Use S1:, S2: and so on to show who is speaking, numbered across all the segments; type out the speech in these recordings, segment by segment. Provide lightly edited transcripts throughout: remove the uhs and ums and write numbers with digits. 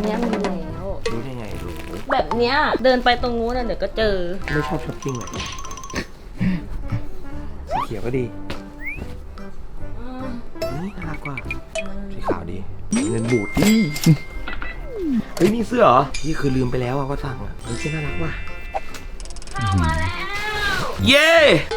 S1: เนี้ยมีแล้ว
S2: รู้ได้ไงรู้
S1: แบบเนี้ยเดินไปตรงนู้นเดี๋ยวก็เจอ
S2: ไม่ชอบช้อปปิ้งเลยสีเขียวก็ดีนี่น่ารักกว่าสีขาวดีเงินบูดดิเฮ้ยนี่เสื้อเหรอนี่คือลืมไปแล้วว่าสั่งอ่ะเฮ้ยเสื้อน่ารักว่ะ
S1: มาแล้ว
S2: เย้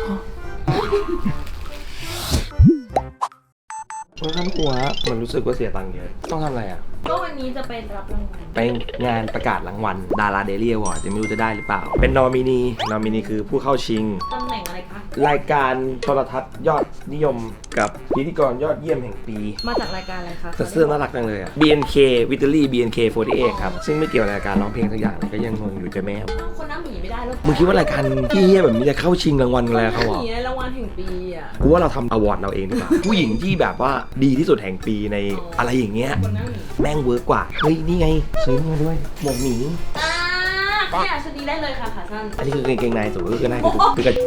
S2: ช่วยทำหัวมันรู้สึกว่าเสียตังค์เยอะต้องทำอะไรอ่ะ
S1: ก็วันนี้จะไปรับรางวัล
S2: ไปงานประกาศรางวัลดาราเดลี่อวอร์ดจะไม่รู้จะได้หรือเปล่าเป็นนอมินีคือผู้เข้าชิง
S1: ตำแหน่งอะไรคะ
S2: รายการโทรทัศน์ยอดนิยมกับพิธีกรยอดเยี่ยมแห่งปี
S1: มาจากรายการอะไรคะ
S2: แต่เสื้อน่ารักจังเลยอ่ะ BNK Victory BNK48 ครับซึ่งไม่เกี่ยวกับรายการร้องเพลงสักอย่างเลยก็ยังงงอยู่จะแม่
S1: คนน้ำหมีไม่ได้แล้ว
S2: มึงคิดว่ารายการที่เฮี้ยแบบนี้จะเข้าชิงรางวัลอะไรเขาหรอ
S1: รางวัลแห่งปีอ่ะ
S2: กูว่าเราทำอวอร์ดเราเองดีกว่าผู้หญิงที่แบบว่าดีที่สุดแห่งปีในอะไรอย่างเงี้ยแม่งเวิร์กกว่าเฮ้ยนี่ไงซื้อมาด้วยหมวกหมี
S1: เนี่ยชุดนี้ได้เลยค่ะขาสั้น
S2: อันนี้คือกางเกงในสูงก็คือได้คือกัน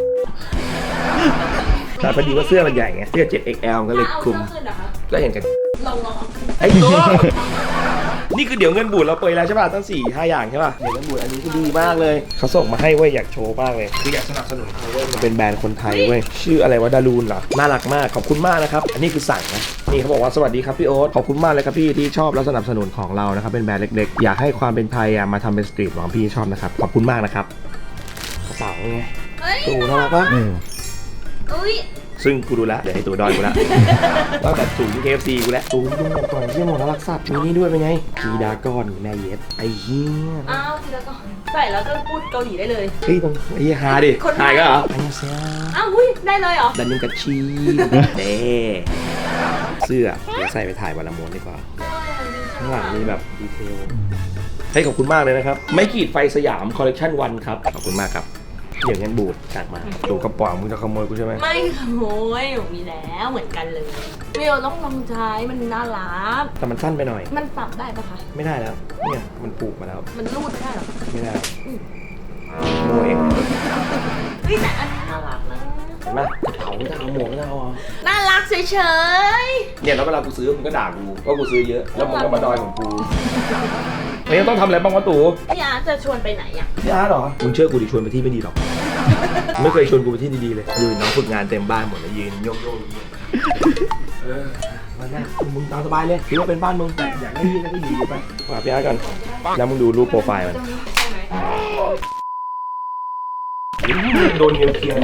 S2: แต่พอดีว่าเสื้อมันใหญ่ไงเสื้อ 7XL ก็เลยคุมก็เห็นกัน
S1: ลอง
S2: ไอ้ตัวนี่คือเดี๋ยวเงินบูดเราเปยแล้วใช่ป่ะตั้ง4-5 อย่างใช่ป่ะเดี๋ยวเงินบูดอันนี้ก็ดีมากเลยเขาส่งมาให้เว้ยอยากโชว์มากเลยคืออยากสนับสนุนเขาเว้ยมันเป็นแบรนด์คนไทยเว้ยชื่ออะไรวะดารูนเหรอน่ารักมากขอบคุณมากนะครับอันนี้คือสั่งนะนี่เขาบอกว่าสวัสดีครับพี่โอ๊ตขอบคุณมากเลยครับพี่ที่ชอบและสนับสนุนของเรานะครับเป็นแบรนด์เล็กๆอยากให้ความเป็นไทยมาทำเป็นสตรีทหวังพี่ชอบนะครับขอบคุณมากนะครับกระเป๋าไงตูน่ารักปะซึ่งกูดูแลเดี๋ยวให้ตัวดอยกูละว่าแบบสูงที่ KFC กูแล้วตูดูก่อนที่หมดน่ารักสัตว์มีนี่ด้วยเป็นไงกีดากอนแม่เย็ดไอ้เหี้ย
S1: อ้าวกีดากอนใส่แล้วก็พูดเกาหลีได้เลย
S2: เฮ้ยตรงไอ้ฮาดิฮาก็เหรอไอ้เสีย
S1: อ้าวได้เลยเหรอ
S2: ดันยังกระชีเด้เสื้อเดี๋ยวใส่ไปถ่ายวันละม้วนดีกว่าข้างหลังมีแบบดีเทลให้ขอบคุณมากเลยนะครับไม่ขีดไฟสยามคอลเลคชันวันครับขอบคุณมากครับเดี๋ยวงั้นบูดสั่งมาดูกระป๋องมึงจะขโมยกูใช่ไหม
S1: ไม่ขโมยหนูมีแล้วเหมือนกันเลยไม่เอาต้องลองใช้มันน่ารัก
S2: แต่มันสั้นไปหน่อย
S1: มันปรับได้ปะคะ
S2: ไม่ได้แล้วเนี่ยมันปลูกมาแล้ว
S1: มันรูดไม่ได้หรอ
S2: ไม่ได้โมเอง
S1: แต่อันนี้น่ารักนะ
S2: เห็นไหมเผาไม่ได้เอาหมวกไม่ได้เอา
S1: น่ารักเฉย
S2: ๆเนี่ยแล้วเวลากูซื้อมึงก็ด่ากูว่ากูซื้อเยอะแล้วมึงก็มาดอยของกูไม่ต้องทำอะไรบ้างวะตู่
S1: พี่อาร์จะชวนไปไหนอ่ะ
S2: พี่อาร์เหรอมึงเชื่อกูดิชวนไปที่ไม่ดีหรอกไม่เคยชวนกูไปที่ดีๆเลยยืนน้องฝึกงานเต็มบ้านหมดเลยยืนโยกมาแน่มึงตามสบายเลยคิดว่าเป็นบ้านมึงแต่อยากได้ยืนก็ยืนไปมาพี่อาร์ก่อนแล้วมึงดูรูปโปรไฟล์มันโดนเงี้ยเคียง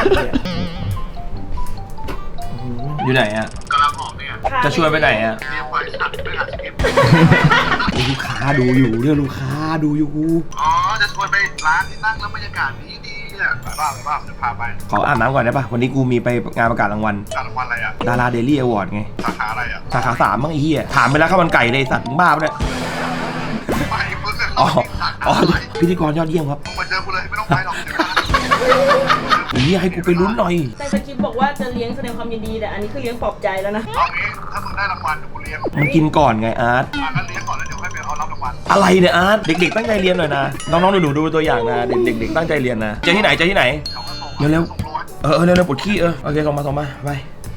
S2: อยู่ไหนอ่ะ
S3: กำลังออกเนี่ย
S2: จะชวนไปไหนอ่ะ
S3: เรียกไฟสัตว์ไม่หาสคริปต์
S2: ลูกค้าดูอยู่เรื่องลูกค้าดูอยู่
S3: อ๋อจะชวนไปร้านที่นั่งแล้วบรรยากาศดีเนี่ยไปบ้างจะพาไป
S2: ขออาบน้ำก่อนได้ป่ะวันนี้กูมีไปงานประกาศรางวัล
S3: อะไรอ่ะ
S2: ดาราเดลี่อวอร์ดไง
S3: สาขาอะไรอ่ะ
S2: สาขา3บ้างไอ้เหี้ยถามไปแล้วข้าวมันไก่เลยสัตว์มึงบ้าปะเนี่ย
S3: ไม่เพิ่ง
S2: อ๋อพิธีกรยอดเยี่ยมครับ
S3: มาเจอกูเลยไม่ต้องไปหรอก
S2: นี่ให้กูไปลุ้นหน่อย
S1: แต่สคริปต์บอกว่าจะเลี้ยงแสดงความยินดีแต่อันนี้คือเลี้ยงปลอบใจแล้วนะ
S3: เอางี้ถ้ามึงได้รางวัลเดี๋ยวกูเลี้ยง
S2: มึงกินก่อนไงอาร์ต
S3: งั้นเลี้ยงก่อนแล้วเดี๋ยวให้ไปเอารับรางวัล
S2: อะไรเนี่ยอาร์ตเด็กๆตั้งใจเรียนหน่อยนะน้องๆหนูๆดูตัวอย่างนะเด็กๆตั้งใจเรียนนะเจอที่ไหนเร็วๆเร็วๆปวดขี้โอเคส่งมาไป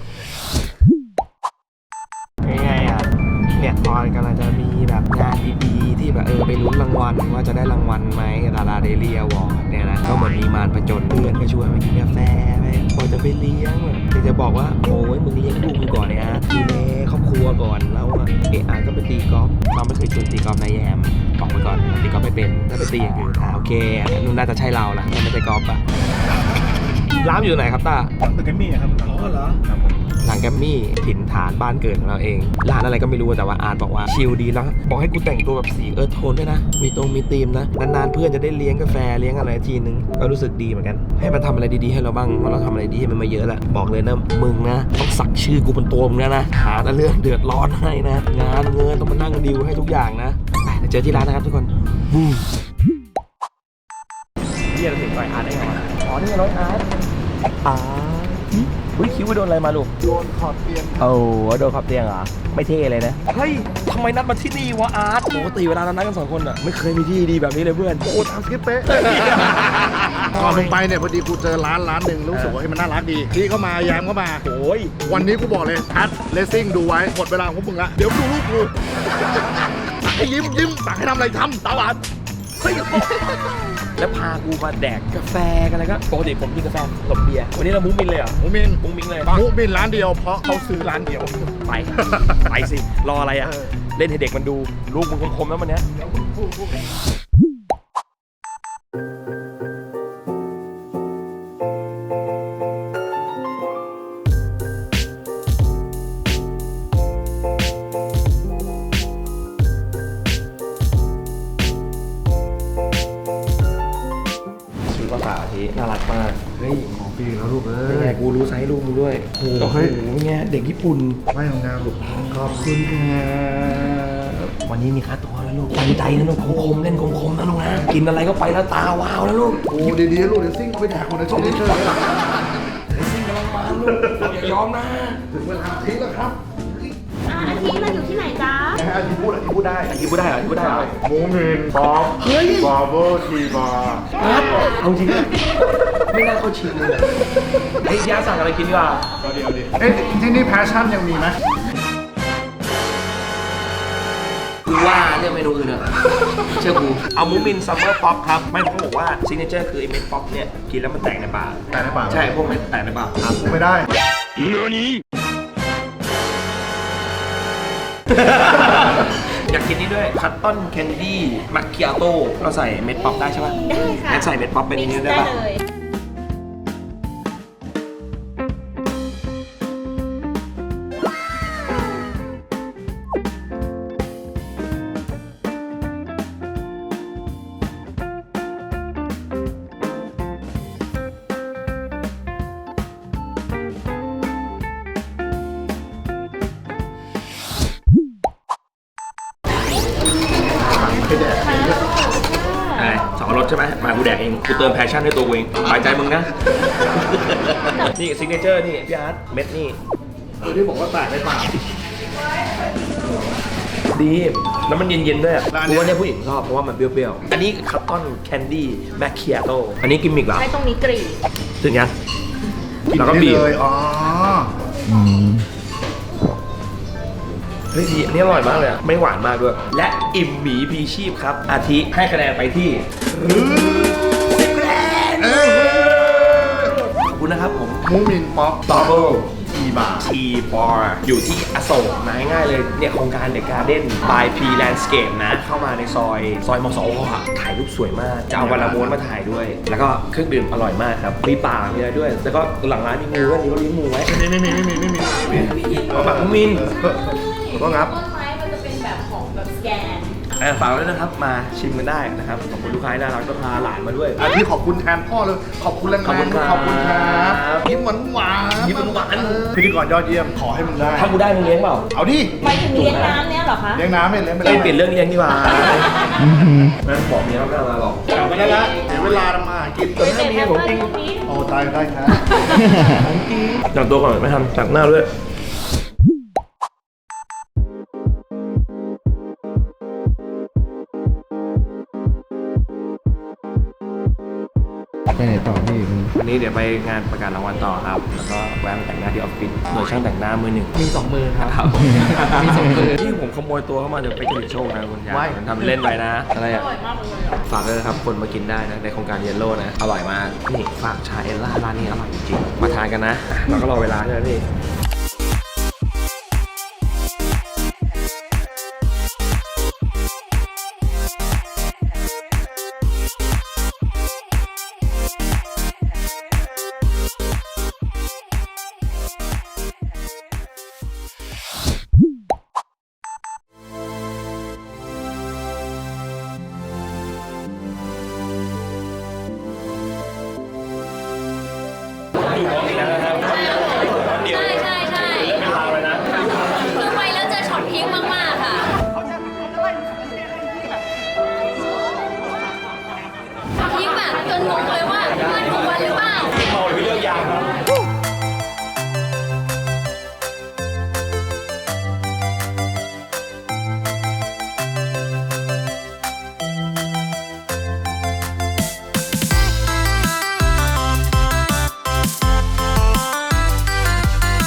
S2: ไงอ่ะเนี่ยตอนกำลังจะมีแบบงานดีๆที่แบบไปลุ้นรางวัลว่าจะได้รางวัลไหมดาราเดลี่อวอร์ดเนี่ยนะก็เหมือนมีมารผจญเพื่อนก็ชวนไปกินกาแฟไปบอกจะไปเลี้ยงแต่จะบอกว่าโอ้ยมึงเลี้ยงลูกมึงก่อนเนี่ยดูแลครอบครัวก่อนแล้วก็ไปตีกอล์ฟเราไม่เคยชวนตีกอล์ฟนายแยมบอกไปก่อนตีกอล์ฟไม่เป็นถ้าไปตีอย่างอื่นโอเคนู่นน่าจะใช่เราละไม่ใช่กอล์ฟอะร้านอยู่ไหนครับตา
S3: ตึกแกมมี่ครับ
S2: อ๋อเหรอหลังแกมมี่ถิ่นฐานบ้านเกิดของเราเองร้านอะไรก็ไม่รู้แต่ว่าอาร์ตบอกว่าชิลดีแล้วบอกให้กูแต่งตัวแบบสีโทนด้วยนะมีธีมนะนานๆเพื่อนจะได้เลี้ยงกาแฟเลี้ยงอะไรทีนึงก็รู้สึกดีเหมือนกันให้มันทำอะไรดีๆให้เราบ้างเพราะเราทำอะไรดีให้มันมาเยอะแล้วบอกเลยนะมึงนะต้องสักชื่อกูบนตัวมึงนะหาแต่เรื่องเดือดร้อนให้นะงานเงินต้องมานั่งดิวให้ทุกอย่างนะไปเจอที่ร้านนะครับทุกคนเรียกถึงไปอาร์ตได้ไงวะอ๋อนี่รถอาร์ตอุ้ยคิ้วไปโดนอะไรมาลูก
S3: โดนขอบเตียง
S2: โอ้โดนขอบเตียงเหรอไม่เท่เลยนะเฮ้ยทำไมนัดมาที่นี่วะอาร์ตปกติเวลาเรานัดกัน2 คนอ่ะไม่เคยมีที่ดีแบบนี้เลยเพื่อน
S3: โอ้ตามสคริปต์เป๊ะก่อนลงไปเนี่ยพอดีกูเจอร้านหนึ่งรู้สึกว่ามันน่ารักดีพี่เข้ามาแย้มเข้ามา
S2: โอ้ย
S3: วันนี้กูบอกเลยอาร์ตเลสซิ่งดูไว้หมดเวลาของพวกมึงละเดี๋ยวดูรูปกูให้ยิ้มสั่งให้ทำอะไรทำตาหวานเฮ้ย
S2: แล้วพากูมาแดกกาแฟกันอะไรก็ปกติผมกินกาแฟผสมเบียร์วันนี้เรามุ้งมินเลยเหรอ
S3: มุมิน
S2: มุ้งมิงเลย
S3: มุมินร้านเดียวเพราะเขาซื้อร้านเดียว
S2: ไป ไปสิ รออะไรอ่ะ เล่นให้เด็กมันดู ลูกมึงคมๆแล้วมันเนี้ยชุดภาษาทีน่ารักมาก เฮ้ย
S3: ของฟรีแล้วลูกเอ้
S2: เป็นไง
S3: ย
S2: กูรู้ไซส์ลูกมึงด้วย
S3: โอ้
S2: โอ้
S3: โห
S2: โหเป็นไงเด็กญี่ปุ่น
S3: ไม่งามลูกขอบคุณครับ
S2: วันนี้มีค่าตัวแล้วลูกตั้งใจนะลูกคมๆเล่นคมๆนะลูกนะ กินอะไรก็ไปแล้วตาวาวแล้วลูก
S3: โอ้ดีๆลูกเดี๋ยวซิ่งไปแดกคนในช่วงนี้เชิญ
S2: ไอ้ซิ่งกำลังมาลูกอย่ายอมนะ
S3: ถึงเวลาทิ้งแล้วครับ
S1: อาทิตย์เราอยู่ที่ไหนจ๊ะ
S3: อาทิตย์พูดได้
S2: กินพูดได้เหรอกินพูดได้เหรอ
S3: มุมินป๊อปบาร์เบอร์ทีบาร์
S2: ครับเอาจริงนะไม่น่าเข้าชิงเลยเฮ้ยย่าสั่งอะไรกินดีกว่า
S3: เดี๋ยวดิเอ๊ะที่นี่แพชชั่นยังมีไหม
S2: กูว่าเรื่องเมนูอื่นเนอะเชื่อกูเอามูมินซัมเมอร์ป๊อปครับไม่ต้องบอกว่าซิกเนเจอร์คือไอ้เม็ดป๊อปเนี่ยกินแล้วมันแตกในปาก
S3: แต่ในปาก
S2: ใช่พวกเม็ดแตกในปากครับ
S3: ไม่ได้
S2: อยากกินนี่ด้วยคัตตอนแคนดี้มัคคิอาโต้เราใส่เม็ดป๊อปได้ใช่ป่ะ
S1: ได้ค่ะ
S2: งั้นใส่เม็ดป๊อปเป็นนี้ได้
S1: ได้
S2: ป่ะ
S1: เลย
S3: ไปแดก
S2: อะไรสองรสใช่ไหมมากูแดกเองกูเติมแพชชั่นให้ตัวกูเองสบายใจมึงนะ นี่ซิกเนเจอร์นี่พี่อาร์ตเม็ดนี่
S3: ตัวที่บอกว่าแตกในปาก
S2: ดีแล้วมันเย็นๆด้วยอะ
S3: ร้าน
S2: กู
S3: เนี้ย
S2: ว่าเนี่ยผู้หญิงชอบเพราะว่ามันเปรี้ยวๆอันนี้คัตตอนแคนดี้แมคคิอาโต้อันนี้กิมมิกเหรอ
S1: ใช้ตรงนี้กรีด
S2: ถึงยัง
S3: กิน
S2: แล้วก็
S3: ได้
S2: บีบ
S3: เลยอ๋อ
S2: เฮ้ยดีอันนี้อร่อยมากเลยอะไม่หวานมากด้วย และอิ่มหมีพีชีพครับ อาทิให้คะแนนไปที่10คะแนน
S3: เออ
S2: ขอบคุณนะครับผม
S3: มูมินป๊อป
S2: ดับเบิล
S3: ทีบาร์
S2: ทีบอร์อยู่ที่อโศกนะง่ายๆเลยเนี่ยโครงการเดอะการ์เด้นบายพีแลนด์สเคปนะ เข้ามาในซอยมสวอะถ่ายรูปสวยมาก จะเอาวันละม้วนมาถ่ายด้วย แล้วก็เครื่องดื่มอร่อยมากครับ มีป่ามีอะไรด้วย แล้วก็หลังร้านมีงูด้วยนี่ก็เลี้ยงงูไว้
S3: ไม่มี
S2: เอาแบบมินขอบคุณครับ
S1: ต้นไม้มันจะเป็นแบบของแบบสแกน
S2: ฝากไว้ด้วยนะครับ มาชิมกันได้นะครับ ขอบคุณลูกค้าที่น่ารักก็พาหลานมาด้วย
S3: อันนี้ขอบคุณแทนพ่อเลย ขอบคุณแรงๆ
S2: ขอบคุณครับ
S3: ขอบคุณครับยิ้มหวานๆ
S2: ยิ้มหวานๆ
S3: พิธีกรยอดเยี่ยม ขอให้มึงได้
S2: ถ้ากูได้มึงเลี้ยงเปล่า
S3: เอาดิ
S1: ไปถึงเลี้ยงน้ำเนี่ยเหรอคะ
S3: เลี้ยงน้ำไม่เลี้ยงไป
S2: เอ้ยเปลี่ยนเรื่องเลี้ยงดีกว่าแม่บอกเมียไม่เอามาหรอก
S3: กลับมาได้ละเดี๋ยวเวลาทำมาหากิน
S2: แต่ถ้าเมียผมจริง
S3: โอ้ตายได้ครับ
S2: จับตัวก่อนไม่ทำจับหน้าด้วย
S3: ไปไหนต่อพี่
S2: วันนี้เดี๋ยวไปงานประกาศรางวัลต่อครับ แล้วก็แวะมาแต่งหน้าที่ออฟฟิศโดยช่างแต่งหน้ามือหนึ่ง
S4: มี2 มือครับ
S2: ครับ
S4: มี2 มือ
S2: ที่ผมขโมยตัวเข้ามาจากไปกรีดโชคนะคุณยาย
S4: ว้าย
S2: มันทำเล่นไปนะ อะไร
S1: อ
S2: อ่ะ
S1: ร่อยมากเลยอะ
S2: ฝากด้วยนะครับ คนมากินได้นะ ในโครงการเยลโล่นะ อร่อยมาก นี่ฝากชาเอลล่าร้านนี้อร่อยจริงๆ มาทานกันนะเราก็รอเวลาใช่ไหมพี่ อยู่ของอีกแล้วนะครับเดี๋ยว
S5: ใช่ใช่
S2: เป็นราวเลยนะ
S5: คือไปแล้วเจอช็อตพีคมากๆค่ะพีคแบบจนงงเลยว่ามันถูกวันหรือเปล่า
S2: เมาหรือเลือกยางครับ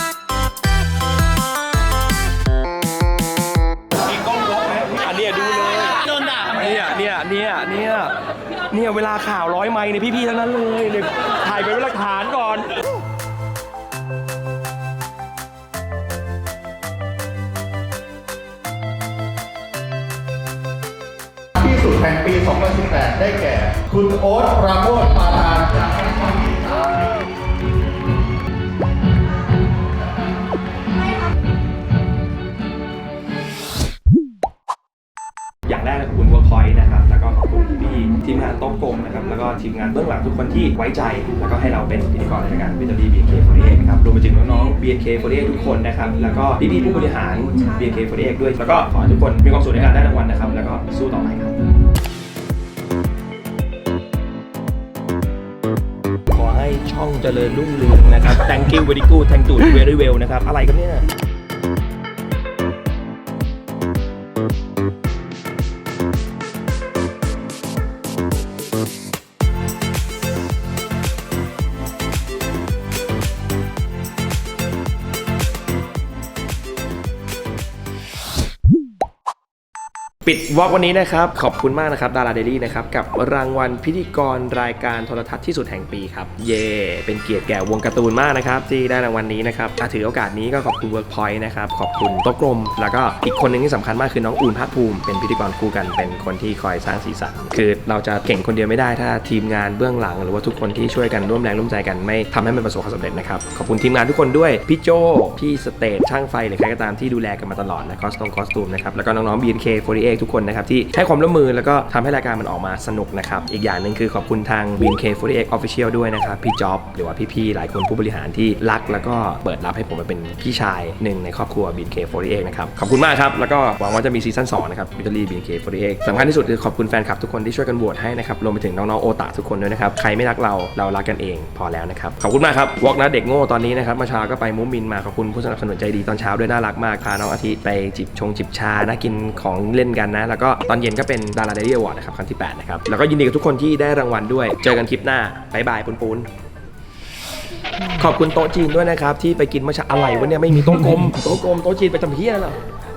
S2: มีกล้องวอล์กไหมอันเนี้ยดูเลยเนี่ยเวลาข่าว100 ไมค์เนี่ยพี่ๆทั้งนั้นเลยเนี่ยถ่ายไปเป็นหลักฐานก่อน
S3: ที่สุดแห่งปี 2018 ได้แก่ คุณโอ๊ตปราโมทปาทานจากนครศรีธรรมราช
S2: อย่างแรกขอบคุณ Workpoint นะครับแล้วก็ขอบคุณพี่ทีมงานโต๊ะกลมนะครับแล้วก็ทีมงานเบื้องหลังทุกคนที่ไว้ใจแล้วก็ให้เราเป็นพิธีกรในรายการวิตามิน BNK48 นะครับรวมไปถึงน้องๆ BNK48 ทุกคนนะครับแล้วก็พี่ๆผู้บริหาร BNK48 ด้วยแล้วก็ขอให้ทุกคนมีความสุขในการได้รางวัลนะครับแล้วก็สู้ต่อไปครับขอให้ช่องเจริญรุ่งเรืองนะครับ Thank you very good thank you very well นะครับอะไรกันเนี่ยปิดวอล์กวันนี้นะครับขอบคุณมากนะครับดาราเดลี่นะครับกับรางวัลพิธีกรรายการโทรทัศน์ที่สุดแห่งปีครับเย่เป็นเกียรติแก่วงการ์ตูนมากนะครับที่ได้รางวัลนี้นะครับถือโอกาสนี้ก็ขอบคุณ Workpoint นะครับขอบคุณโต๊ะกลมแล้วก็อีกคนหนึ่งที่สำคัญมากคือน้องอูนภาคภูมิเป็นพิธีกรคู่กันเป็นคนที่คอยสร้างสีสันคือเราจะเก่งคนเดียวไม่ได้ถ้าทีมงานเบื้องหลังหรือว่าทุกคนที่ช่วยกันร่วมแรงร่วมใจกันไม่ทำให้มันประสบความสำเร็จนะครับขอบคุณทีมงานทุกคนด้วยพี่โจพี่สเตทช่างไฟหรือใครก็ตามที่ดูแลกันมาตลอดนะคอสตูมนะครับแล้วก็น้องๆ BNK48 ทุกคนนะครับที่ให้ความร่วมมือแล้วก็ทำให้รายการมันออกมาสนุกนะครับอีกอย่างหนึ่งคือขอบคุณทาง BNK48 Official ด้วยนะครับพี่จ๊อบหรือว่าพี่ๆหลายคนผู้บริหารที่รักแล้วก็เปิดรับให้ผมมาเป็นพี่ชายหนึ่งในครอบครัว BNK48 นะครับขอบคุณมากครับแล้วก็หวังว่าจะมีซีซั่น2นะครับวิตาลี BNK48 สำคัญที่สุดคือขอบคุณแฟนคลับทุกคนที่ช่วยกันโหวตให้นะครับรวมไปถึงน้องๆโอตาทุกคนด้วยนะครับใครไม่รักเรารักกันเองพอแล้วนะครับขอบคุณมากครับวอล์กนะเด็กโง่ตอนนี้นะครับเมื่อเช้าก็ไปมุ้งมินมาขอบคุณผู้สนับสนุนใจดีตอนเช้าด้วยน่ารักมากพาน้องอาทิไปจิบชานะกินของเล่นกันนะแล้วก็ตอนเย็นก็เป็นดาราเดลี่อวอร์ดนะครับครั้งที่8นะครับแล้วก็ยินดีกับทุกคนที่ได้รางวัลด้วยเจอกันคลิปหน้าบ๊ายบายปูนขอบคุณโต๊ะจีนด้วยนะครับที่ไปกินเมื่อเช้าอะไรวะเนี่ยไม่มีโต๊ะกลมโต๊ะจีนไปทำเพี้ยเหรอ